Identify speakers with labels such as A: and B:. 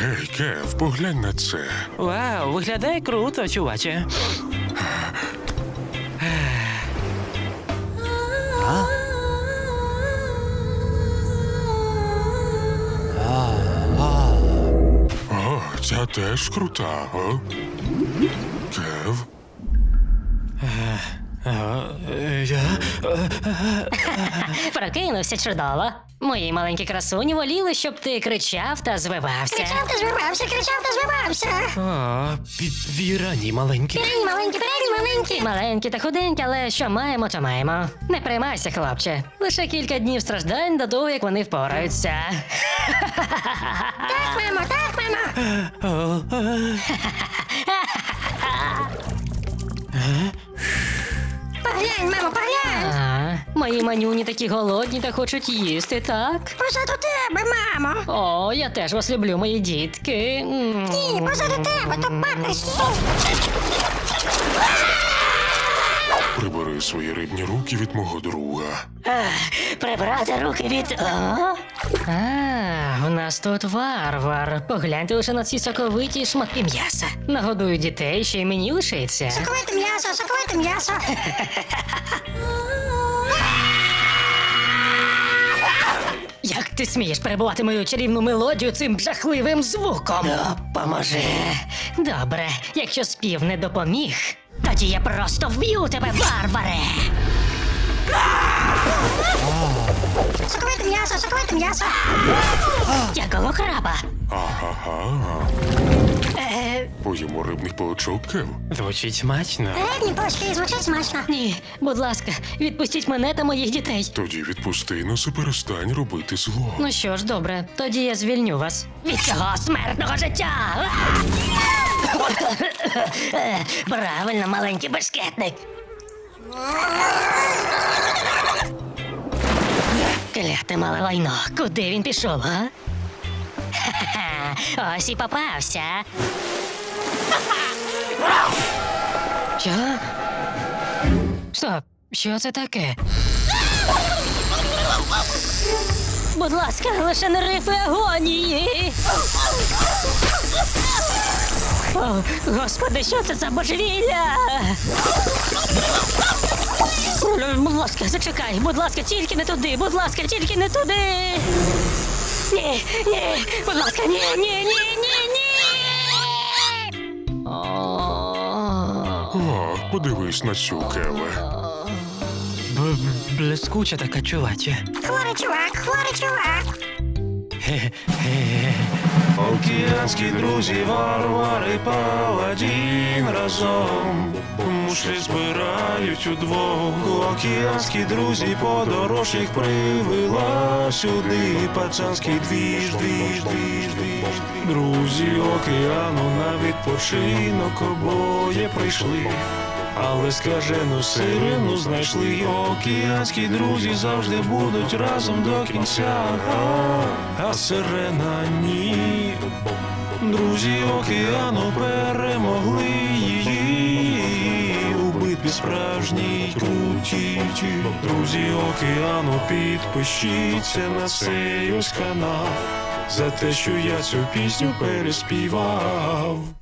A: Гей, Кев, поглянь на це.
B: Вау, виглядає круто, чуваче.
A: О, ця теж крута, о? Кев?
C: Прокинувся чудово. Мої маленькі красуні воліли, щоб ти кричав та звивався.
D: Кричав та звивався, кричав та звивався.
B: О, пірані маленькі.
D: Пірені маленькі, пірені маленькі.
C: Маленькі та худенькі, але що маємо, то маємо. Не приймайся, хлопче. Лише кілька днів страждань до того, як вони впораються.
D: Так, мамо, так, мамо. Поглянь, мамо, поглянь.
C: Мої манюні такі голодні та хочуть їсти, так?
D: Позаду тебе, мамо.
C: О, я теж вас люблю, мої дітки.
D: Ні, позаду тебе, то папа суп.
A: Прибери свої рибні руки від мого друга.
C: Прибрати руки від. У нас тут варвар. Погляньте лише на ці соковиті шматки м'яса. Нагодую дітей, ще й мені лишиться.
D: Соковите м'ясо, соковите м'ясо.
C: Як ти смієш перебувати мою чарівну мелодію цим жахливим звуком? Допоможи. Добре, якщо спів не допоміг, тоді я просто вб'ю тебе, варваре!
D: Соковите м'ясо, соковите м'ясо.
C: Якого краба?
A: Ага. Поїмо рибних паличок, Кев.
B: Звучить смачно.
D: Рибні палички звучать смачно.
C: Ні, будь ласка, відпустіть мене та моїх дітей.
A: Тоді відпусти нас і перестань робити зло.
C: Ну що ж, добре, тоді я звільню вас від цього смертного життя. Правильно, маленький бешкетник. Кляте мале лайно, куди він пішов, а? Ха-ха, ось і попався. Що? Стоп, що це таке? Будь ласка, лише не рифи агонії. О, Господи, що це за божевілля? Будь ласка, зачекай, будь ласка, тільки не туди, будь ласка, тільки не туди. Ні, будь ласка, ні.
A: О, подивись на цю, Кеве.
B: Блискуча така, чуваче.
D: Хворий чувак.
E: Океанські друзі, варвари, паладін разом мушлі збирають удвох. Океанські друзі, подорож їх привела сюди. Пацанський двіж. Друзі океану на відпочинок обоє прийшли. Але скажену сирену знайшли. Океанські друзі завжди будуть разом до кінця. А сирена ні. Друзі океану перемогли її у битві справжній крутій. Друзі океану, підпишіться на цей ось канал за те, що я цю пісню переспівав.